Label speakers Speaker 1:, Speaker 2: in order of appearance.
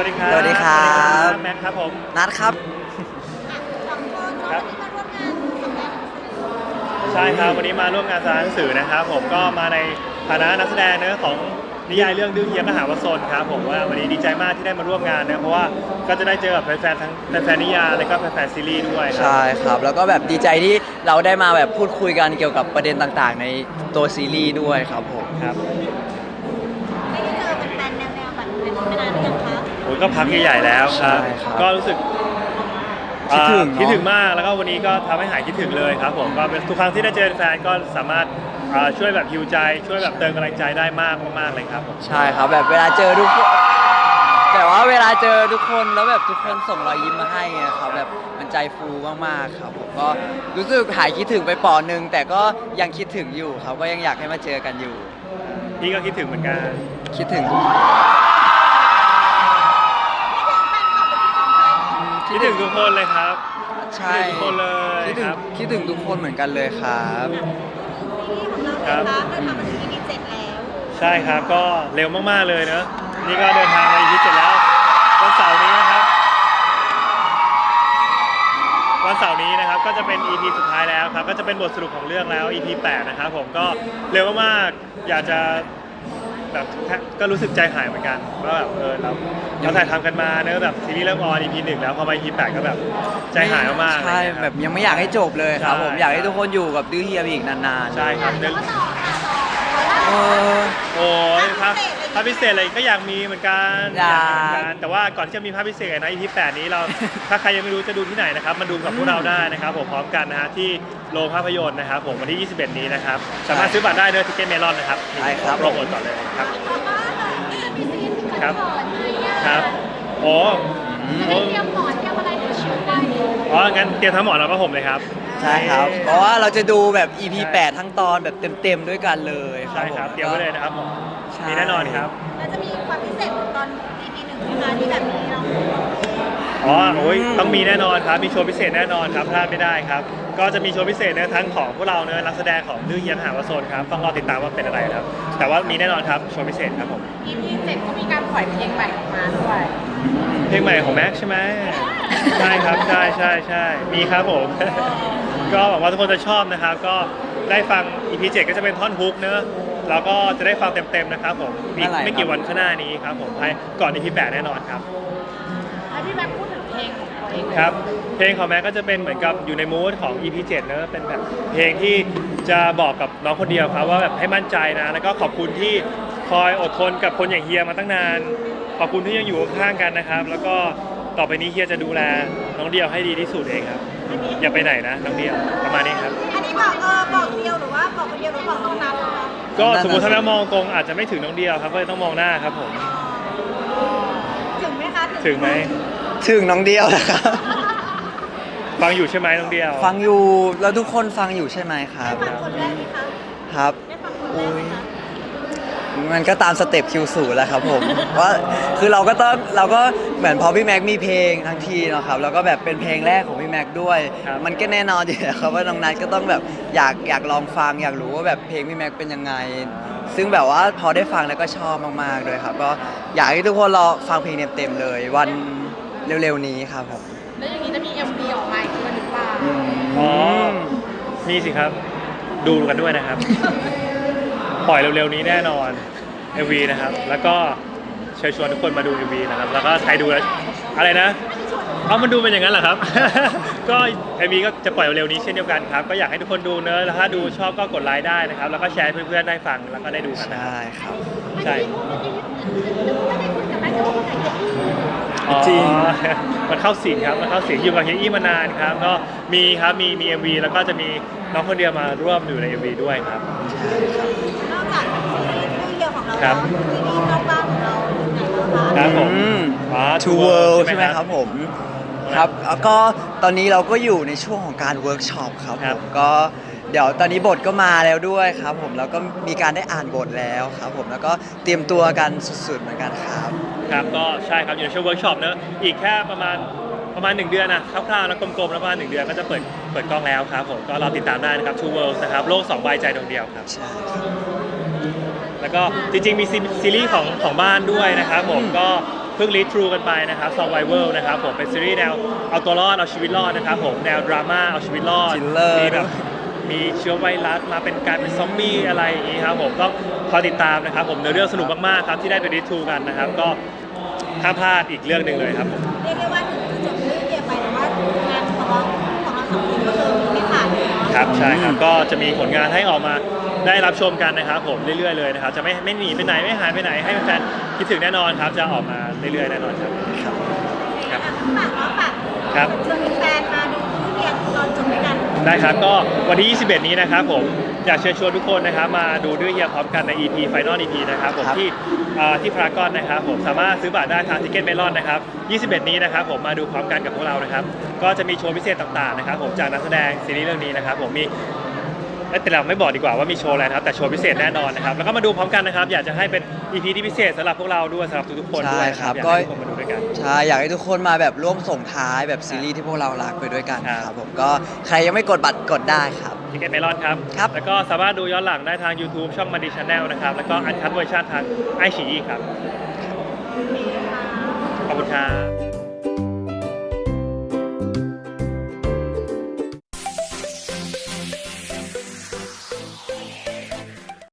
Speaker 1: วัสดีครับ
Speaker 2: สวัสดีครับ
Speaker 1: แม็กครับผม
Speaker 2: นัดครับ
Speaker 1: ครับใช่ครับวันนี้มาร่วมงานสารหนังสือนะครับผมก็มาในฐานะนักแสดงเนื้อของนิยายเรื่องดื้อเฮียมหาวสนครับผมว่าวันนี้ดีใจมากที่ได้มาร่วมงานนะเพราะว่าก็จะได้เจอกับแฟนๆทั้งแฟนๆนิยายและก็แฟนๆซีรีส์ด้วยครับ
Speaker 2: ใช่ครับแล้วก็แบบดีใจที่เราได้มาแบบพูดคุยกันเกี่ยวกับประเด็นต่างๆในตัวซีรีส์ด้วยครับผม
Speaker 1: ครับ
Speaker 3: ไม่ได้เจอเป็นแฟนแนวๆแบบเป็นมานานหรือยังคะ
Speaker 1: โอ้ยก็พักใหญ่ๆแล้วครับ
Speaker 2: ใช่ครับ
Speaker 1: ก็รู้สึก
Speaker 2: คิดถึงเนอะ
Speaker 1: คิดถึงมากแล้วก็วันนี้ก็ทำให้หายคิดถึงเลยครับผมก็เป็นทุกครั้งที่ได้เจอแฟนก็สามารถช่วยแบบฮิวใจช่วยแบบเติมกำลังใจได้มากมากๆเลยครับผม
Speaker 2: ใช่ครับแบบเวลาเจอทุกคนแต่ว่าเวลาเจอทุกคนแล้วแบบทุกคนส่งรอยยิ้มมาให้ไงครับแบบมันใจฟูมากๆครับผมก็รู้สึกหายคิดถึงไปปอนึงแต่ก็ยังคิดถึงอยู่ครับก็ยังอยากให้มาเจอกันอยู่
Speaker 1: พี่ก็คิดถึงเหมือนกัน
Speaker 2: คิดถึง
Speaker 1: คิดถึงทุกคนเลยครับ
Speaker 2: ใช่
Speaker 1: คิดถึงทุกคนเลย
Speaker 2: คิดถึ
Speaker 1: ค
Speaker 2: ง
Speaker 1: รับ
Speaker 2: คิดถึงทุกคนเหมือนกันเลยครับ
Speaker 3: ซีรีส์ของเราเลยครับเราทำมาถึง EP 7แล้ว
Speaker 1: ใช่ครับก็เร็วมากๆเลยเนอะนี่ก็เดินทางมา EP 7แล้ววันเสาร์นี้นะครับวันเสาร์นี้นะครับก็จะเป็น EP สุดท้ายแล้วครับก็จะเป็นบทสรุปของเรื่องแล้ว EP 8นะครับผมก็เร็วมากๆอยากจะแบบก็รู้สึกใจหายเหมือนกันว่าแบบเราถ่ายทำกันมาเนอะแบบซีรีส์เริ่มออน EP 1แล้วพอมา EP 8ก็แบบใจหายมากๆ
Speaker 2: ใช่
Speaker 1: เลยนะค
Speaker 2: แบ
Speaker 1: รับบ
Speaker 2: ยังไม่อยากให้จบเลยครับผม
Speaker 1: ใช่
Speaker 2: อยากให้ทุกคนอยู่กับดื้อเฮียไปอีกนานๆ
Speaker 1: ใช่ครับเรื่อง
Speaker 2: เออ
Speaker 1: โอ้ยภาพพิเศษอะไรก็อยากมีเหมือนกัน
Speaker 2: อยาก
Speaker 1: มีเหมือนกันแต่ว่าก่อนที่จะมีภาพพิเศษนะ EP 8นี้เรา ถ้าใครยังไม่รู้จะดูที่ไหนนะครับมาดูกับพวกเราได้นะครับผมพร้อมกันนะฮะที่โรงภาพยนตร์นะครับผมวันที่ 21 นี้นะครับสามารถซื้อบัตรได้เนอะทิเก็ตเมลอนนะครับ
Speaker 2: ใช่ครับ
Speaker 1: โปรโมทก่อนเลยครับ
Speaker 3: มีซีรีส์
Speaker 1: ครับ
Speaker 3: ก่อนไหมอ่ะ
Speaker 1: ครับโอ้
Speaker 3: จะได้เตรียมหมอนเตรียมอะไรให้ชิวได้
Speaker 1: อ๋องั้นเตรียมทั้งหมอนแล้วก็ผมเลยครับ
Speaker 2: ใช่ครับ เพราะว่าเราจะดูแบบ EP 8 ทั้งตอนแบบเต็มๆด้วยกันเลยครั
Speaker 1: ใช่
Speaker 2: บ
Speaker 1: ครับ
Speaker 2: ผม
Speaker 1: เตรียมไว้เลยนะครับผม
Speaker 2: ใช่
Speaker 1: มีแน่นอนครับ
Speaker 3: แล้วจะมีความพิเศษเหมือนตอน EP 1ไหมคะที่แบบนี้เรา
Speaker 1: อ๋อโอ้ยต้องมีแน่นอนครับ มีโชว์พิเศษแน่นอนครับพลาดไม่ได้ครับ ก็จะมีโชว์พิเศษเนอะทั้งของพวกเราเนอะนักแสดงของดื้อเยียมหาวโซนครับ ต้องรอติดตามว่าเป็นอะไรครับ แต่ว่ามีแน่นอนครับ โชว์พิเศษครับผม
Speaker 4: EP 7ก็มีการปล่อยเพลงใหม่ออกมาด้วย
Speaker 1: เพลงใหม่ของแม็กใช่ไหมใช่ครับ ใช่ใช่ใช่มีครับผม ก็หวังว่าทุกคนจะชอบนะครับ ก็ได้ฟัง EP 7ก็จะเป็นท่อนฮุกเนอะแล้วก็จะได้ฟังเต็มๆนะครับผมอีกไม่กี่วันข้างหน้านี้ครับผมภายก่อน EP 8แน่นอนครับ
Speaker 4: แล้วพี่แม็กพูดถึงเพลงของตัวเองเลย
Speaker 1: ครับเพลงของแม็กก็จะเป็นเหมือนกับอยู่ในมูดของ EP 7เนอะเป็นแบบเพลงที่จะบอกกับน้องคนเดียวครับว่าแบบให้มั่นใจนะ แล้วก็ขอบคุณที่คอยอดทนกับคนอย่างเฮียมาตั้งนาน ขอบคุณที่ยังอยู่ข้างๆกันนะครับ แล้วก็ต่อไปนี้เฮียจะดูแลน้องเดียวให้ดีที่สุดเองครับ อย่าไปไหนนะน้องเดียวประมาณนี้ครับ
Speaker 3: อันนี้บอกบอกเดียวหรือว่าบอกคนเดียวหรือบอกต้องนับคะ
Speaker 1: ก็สมมติถ้าแม่มองตรงอาจจะไม่ถึงน้องเดียวครับก็เลยต้องมองหน้าครับผม
Speaker 3: ถึงไหมคะ
Speaker 1: ถึงไหม
Speaker 2: ถึงน้องเดียวนะครับ
Speaker 1: ฟังอยู่ใช่ไหมน้องเดียว
Speaker 2: ฟังอยู่แล้วทุกคนฟังอยู่ใช่ไหมครับ
Speaker 3: ได้ฟังคนแรกไหมคะ
Speaker 2: ครับ
Speaker 3: ได้ฟังคนแรกไหมคะ
Speaker 2: มันก็ตามสเต็ปคิวสูแหล้วครับผม ว่าคือเราก็เหมือนพอพี่แม็กมีเพลงทั้งทีเนาะครับแล้วก็แบบเป็นเพลงแรกของพี่แม็กด้วย
Speaker 1: ครับ
Speaker 2: มันก็แน่นอนอยู่แล้วครับว่าน้องนัทก็ต้องแบบอยากลองฟังอยากรู้ว่าแบบเพลงพี่แม็กเป็นยังไง ซึ่งแบบว่าพอได้ฟังแล้วก็ชอบมากๆด้วยครับก็อยากให้ทุกคนรอฟังเพลงเต็มๆเลย วันเร็วๆนี้ครับผม
Speaker 4: แล้วอย่างนี้จะมี MV ออกมาอีกด้วยหรือเปล่า
Speaker 1: อ๋อ มีสิครับ ดูกันด้วยนะครับ ปล่อยเร็วๆนี้แน่นอน MV นะครับ แล้วก็เชิญชวนทุกคนมาดู MV นะครับ แล้วก็ใครดูแล้วอะไรนะเอามันดูเป็นอย่างนั้นเหรอครับ ก็ MV ก็จะปล่อยเร็วๆนี้เช่นเดียวกันครับ ก็อยากให้ทุกคนดูเนอะแล้วถ้าดูชอบก็กดไลค์ได้นะครับ แล้วก็แชร์ให้เพื่อนๆได้ฟังแล้วก็ได้ดูกันนะครับ
Speaker 2: ใช่ครับ
Speaker 1: ใช่
Speaker 3: ไม่ได้คุยกับแม่แต่ว่าคนไหนจะพูด
Speaker 1: อ๋อ
Speaker 2: จริง
Speaker 1: มันเข้าสิงครับ มันเข้าสิงอยู่กับเฮียอี้มานานครับ ก็มีครับมี MV แล้วก็จะมีน้องคนเดียวมาร่วมอยู่ใน MV ด้วยครับ
Speaker 3: นอกจากซีรีส์เรื่องเดียวของเรา
Speaker 1: ครั
Speaker 3: แล้ว
Speaker 1: บ
Speaker 3: ซีรีส์นอกบ้านของเราไหนบ้างคะ
Speaker 1: ครับผม
Speaker 2: อืม
Speaker 1: อ๋อ
Speaker 2: Two World ใช่ไหมครับผมครับแล้วก็ตอนนี้เราก็อยู่ในช่วงของการเวิร์กช็อปครับ
Speaker 1: ค
Speaker 2: ผ
Speaker 1: รับ
Speaker 2: มก็เดี๋ยวตอนนี้บทก็มาแล้วด้วยครับผมแล้วก็มีการได้อ่านบทแล้วครับผมแล้วก็เตรียมตัวกันสุดๆเหมือนกันครับ
Speaker 1: ครับก็ใช่ครับอยู่ในช่วงเวิร์กช็อปเนอะอีกแค่ประมาณ 1 เดือนนะคร่าวๆแล้วกลมๆแล้วประมาณ1 เดือนก็จะเปิดกล้องแล้วครับผมก็รอติดตามได้นะครับ Two Worlds นะครับโลก2 ใบใจดวงเดียวครับ
Speaker 2: ใช่ครับ
Speaker 1: แล้วก็จริงๆมีซีรีส์ของบ้านด้วยนะครับผมก็เพิ่งรีทรูกันไปนะครับ Survival นะครับผมเป็นซีรีส์แนวเอาตัวรอดเอาชีวิตรอดนะครับผมแนวดราม่าเอาชีวิตรอด
Speaker 2: Thriller
Speaker 1: มีแบบมีเชื้อไวรัสมาเป็นกลายเป็นซอมบี้อะไรอย่างนี้ครับผมต้องคอยติดตามนะครับผมเนื้อเรื่องสนุกมากๆครับที่ได้ไปรีทรูกันนะครับก็ห้ามพลาดอีกเรื่องหนึ่งเลยครับผม
Speaker 3: เรียกได้ว่าถึงจะจบเรื่องเดียวไปแต่ว่างานของเราสองคนก็คือไม่ขาดเลยเนาะ
Speaker 1: ครับใช่ครับก็จะมีผลงานให้ออกมาได้รับชมกันนะครับผมเรื่อยๆเลยนะครับจะไม่หนีไปไหนไม่หายไปไหนให้แฟนๆคิดถึงแน่นอนครับจะออกมาเรื่อยๆแน่นอนครับ ครับ
Speaker 3: ฝากเนาะฝาก
Speaker 1: ครับ
Speaker 3: ชวนแฟนๆมาดูทุเรียนตอนจบด้วยกัน
Speaker 1: ได้ครับก็วันที่ 21 นี้นะครับผมอยากเชิญชวนทุกคนนะครับมาดูด้วยเฮียพร้อมกันใน EP Final EP นะครับผม
Speaker 2: ครับ
Speaker 1: ที่พารากอนนะครับผมสามารถซื้อบัตรได้ทางทิเก็ตเมลอนนะครับ 21 นี้นะครับผมมาดูพร้อมกันกับพวกเรานะครับก็จะมีโชว์พิเศษต่างๆนะครับผมจากนักแสดงซีรีส์เรื่องนี้นะครับผมมีแต่เราไม่บอกดีกว่าว่ามีโชว์อะไรนะครับแต่โชว์พิเศษแน่นอนนะครับแล้วก็มาดูพร้อมกันนะครับอยากจะให้เป็น EP ที่พิเศษสำหรับพวกเราด้วยสำหรับทุกๆคนด้วยนะ
Speaker 2: ใช่ครับ
Speaker 1: อยาก
Speaker 2: ก็
Speaker 1: ให้ทุกคนมาดูด้วยกัน
Speaker 2: ใช่อยากให้ทุกคนมาแบบร่วมส่งท้ายแบบซีรีส์ที่พวกเรารักไปด้วยกัน
Speaker 1: ครับ
Speaker 2: ครับผมก็ใครยังไม่กดบัตรกดได้ครับ
Speaker 1: ทิเก็ตเมลอนครับ
Speaker 2: ครับ
Speaker 1: แล้วก็สามารถดูย้อนหลังได้ทาง YouTube ช่องมาดีชาแนลนะครับแล้วก็อันคัทเวอร์ชันทางไอชีครับขอบคุณครับ